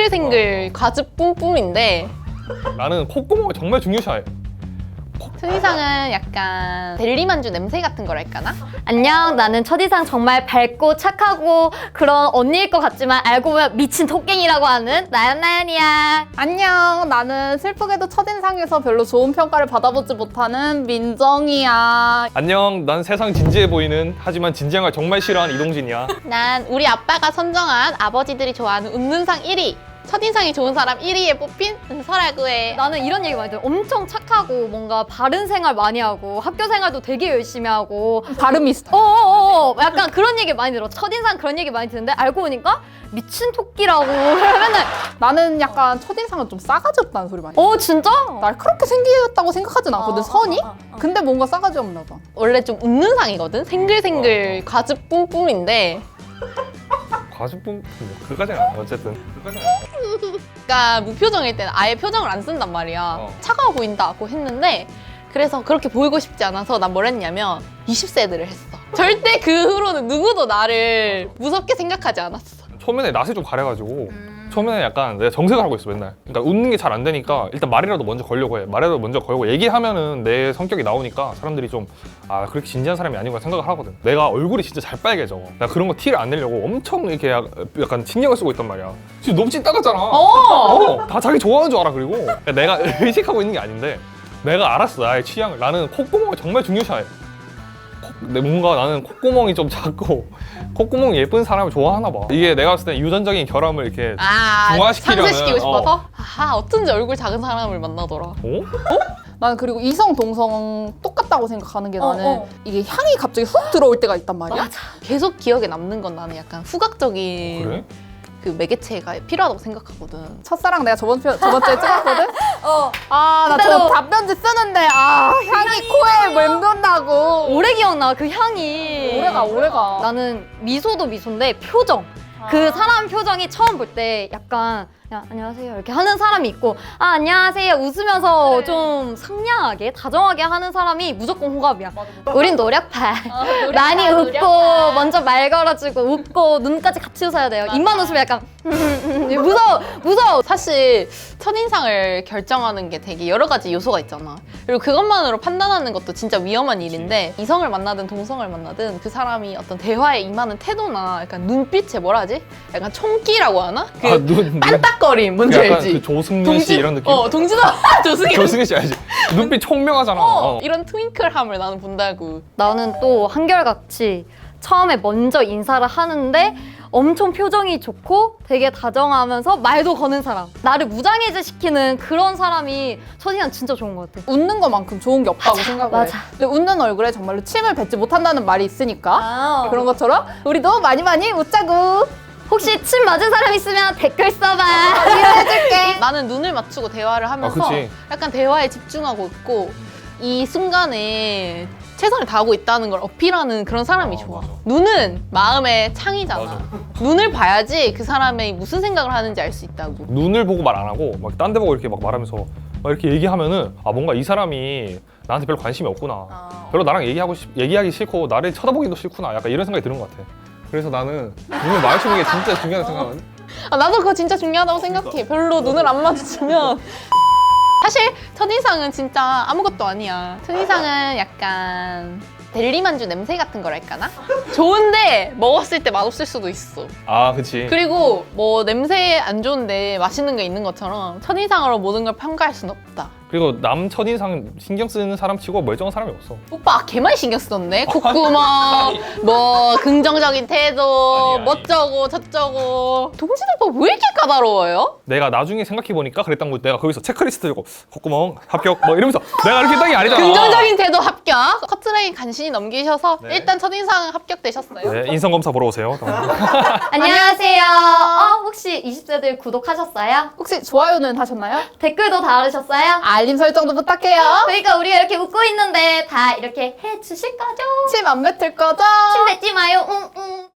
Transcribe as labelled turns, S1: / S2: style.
S1: 생글생글 과즙 뿜뿜인데
S2: 나는 콧구멍을 정말 중요시해.
S1: 첫인상은 약간 델리만주 냄새 같은 거랄까나?
S3: 안녕, 나는 첫인상 정말 밝고 착하고 그런 언니일 것 같지만 알고 보면 미친 토깽이라고 하는 나연나연이야.
S4: 안녕, 나는 슬프게도 첫인상에서 별로 좋은 평가를 받아보지 못하는 민정이야.
S2: 안녕, 난 세상 진지해 보이는 하지만 진지한 걸 정말 싫어하는 이동진이야.
S1: 난 우리 아빠가 선정한 아버지들이 좋아하는 웃는 상 1위, 첫인상이 좋은 사람 1위에 뽑힌 은서라고 해.
S3: 나는 이런 얘기 많이 들어. 엄청 착하고 뭔가 바른 생활 많이 하고 학교 생활도 되게 열심히 하고
S4: 발음이 있어.
S3: 약간 그런 얘기 많이 들어. 첫인상 그런 얘기 많이 듣는데 알고 보니까 미친 토끼라고 맨날.
S4: 나는 약간 첫인상은 좀 싸가지 없다는 소리 많이 해.
S3: 진짜?
S4: 날카롭게 생겼다고 생각하진 않거든, 선이? 근데 뭔가 싸가지 없나 봐.
S1: 원래 좀 웃는 상이거든? 생글생글 과즙 뿜뿜인데
S2: 과즙뿐 그까지는 안 해. 어쨌든
S1: 그러니까 무표정일 때는 아예 표정을 안 쓴단 말이야. 차가워 보인다고 했는데 그래서 그렇게 보이고 싶지 않아서 난 뭘 했냐면 20세들을 했어. 절대 그 후로는 누구도 나를 무섭게 생각하지 않았어.
S2: 초면에 낯을 좀 가려가지고 처음에는 약간 내가 정색을 하고 있어 맨날. 그러니까 웃는 게 잘 안 되니까 일단 말이라도 먼저 걸려고 해. 말이라도 먼저 걸고 얘기하면은 내 성격이 나오니까 사람들이 좀 그렇게 진지한 사람이 아니구나 생각을 하거든. 내가 얼굴이 진짜 잘 빨개져. 나 그런 거 티를 안 내려고 엄청 이렇게 약간 신경을 쓰고 있단 말이야. 지금 너무 찐따같잖아. 다 자기 좋아하는 줄 알아. 그리고 내가 의식하고 있는 게 아닌데 내가 알았어 나의 취향을. 나는 콧구멍을 정말 중요시해. 뭔가 나는 콧구멍이 좀 작고 콧구멍이 예쁜 사람을 좋아하나 봐. 이게 내가 봤을 때 유전적인 결함을 이렇게 중화시키려는,
S1: 상쇄시키고 싶어서? 어쩐지 얼굴 작은 사람을 만나더라.
S4: 나는 그리고 이성, 동성 똑같다고 생각하는 게 나는 이게 향이 갑자기 훅 들어올 때가 있단 말이야.
S1: 맞아. 계속 기억에 남는 건 나는 약간 후각적인
S2: 그래?
S1: 그 매개체가 필요하다고 생각하거든.
S4: 첫사랑 내가 저번주에 찍었거든? 나
S3: 그때도-
S4: 저 답변지 쓰는데 향이 코에 맴돈다고.
S3: 오래 기억나 그 향이.
S4: 오래가.
S3: 나는 미소도 미소인데 표정. 그 사람 표정이 처음 볼 때 약간 야, 안녕하세요 이렇게 하는 사람이 있고 안녕하세요 웃으면서 좀 상냥하게 다정하게 하는 사람이 무조건 호감이야. 우린 노력파. 많이 웃고 먼저 말 걸어주고 웃고 눈까지 같이 웃어야 돼요. 입만 웃으면 약간 무서워.
S1: 사실 첫인상을 결정하는 게 되게 여러 가지 요소가 있잖아. 그리고 그것만으로 판단하는 것도 진짜 위험한 일인데 이성을 만나든 동성을 만나든 그 사람이 어떤 대화에 임하는 태도나 약간 눈빛에 뭐라 하지? 약간 총기라고 하나? 그 빤딱거림 뭔지
S2: 약간
S1: 알지?
S2: 그 조승민 씨 이런 느낌?
S1: 동진아 조승이
S2: 조승민 씨 알지? 눈빛 총명하잖아.
S1: 이런 트윙클함을 나는 본다고.
S3: 나는 또 한결같이 처음에 먼저 인사를 하는데 엄청 표정이 좋고 되게 다정하면서 말도 거는 사람, 나를 무장해제 시키는 그런 사람이 첫인상 진짜 좋은 것 같아.
S4: 웃는 것만큼 좋은 게 없다고 생각을 해.
S3: 맞아.
S4: 근데 웃는 얼굴에 정말로 침을 뱉지 못한다는 말이 있으니까 그런 것처럼 우리도 많이 웃자고.
S3: 혹시 침 맞은 사람 있으면 댓글 써봐.
S1: 나는 눈을 맞추고 대화를 하면서
S2: 그치.
S1: 약간 대화에 집중하고 있고 이 순간에 최선을 다하고 있다는 걸 어필하는 그런 사람이 좋아.
S2: 맞아.
S1: 눈은 마음의 창이잖아.
S2: 맞아.
S1: 눈을 봐야지 그 사람이 무슨 생각을 하는지 알 수 있다고.
S2: 눈을 보고 말 안 하고 막 딴 데 보고 이렇게 막 말하면서 막 이렇게 얘기하면은 뭔가 이 사람이 나한테 별로 관심이 없구나. 별로 나랑 얘기하기 싫고 나를 쳐다보기도 싫구나. 약간 이런 생각이 드는 것 같아. 그래서 나는 눈을 마주치는 게 진짜 중요하다고 생각하거든.
S1: 나도 그거 진짜 중요하다고 생각해. 별로 눈을 안 마주치면 사실 첫인상은 진짜 아무것도 아니야. 첫인상은 약간 델리만주 냄새 같은 거랄까나? 좋은데 먹었을 때 맛없을 수도 있어.
S2: 그치.
S1: 그리고 뭐 냄새 안 좋은데 맛있는 게 있는 것처럼 첫인상으로 모든 걸 평가할 수는 없다.
S2: 그리고 남 첫인상 신경 쓰는 사람 치고 멀쩡한 사람이 없어.
S1: 오빠 걔 많이 신경 썼네. 콧구멍, 뭐 긍정적인 태도,
S2: 아니.
S1: 멋져고 저쩌고. 동진 오빠 왜 이렇게 까다로워요?
S2: 내가 나중에 생각해보니까 그랬던 거 내가 거기서 체크리스트 들고 콧구멍 합격 뭐 이러면서 내가 이렇게 했던 게 아니잖아.
S1: 긍정적인 태도 합격. 커트라인 간신히 넘기셔서
S2: 네.
S1: 일단 첫인상 합격되셨어요.
S2: 네, 인성검사 보러 오세요.
S3: 안녕하세요. 혹시 20세들 구독하셨어요?
S4: 혹시 좋아요는 하셨나요?
S3: 댓글도 달으셨어요?
S4: 알림 설정도 부탁해요.
S3: 그러니까 우리가 이렇게 웃고 있는데 다 이렇게 해주실 거죠?
S4: 침 안 뱉을 거죠?
S3: 침 뱉지 마요. 응.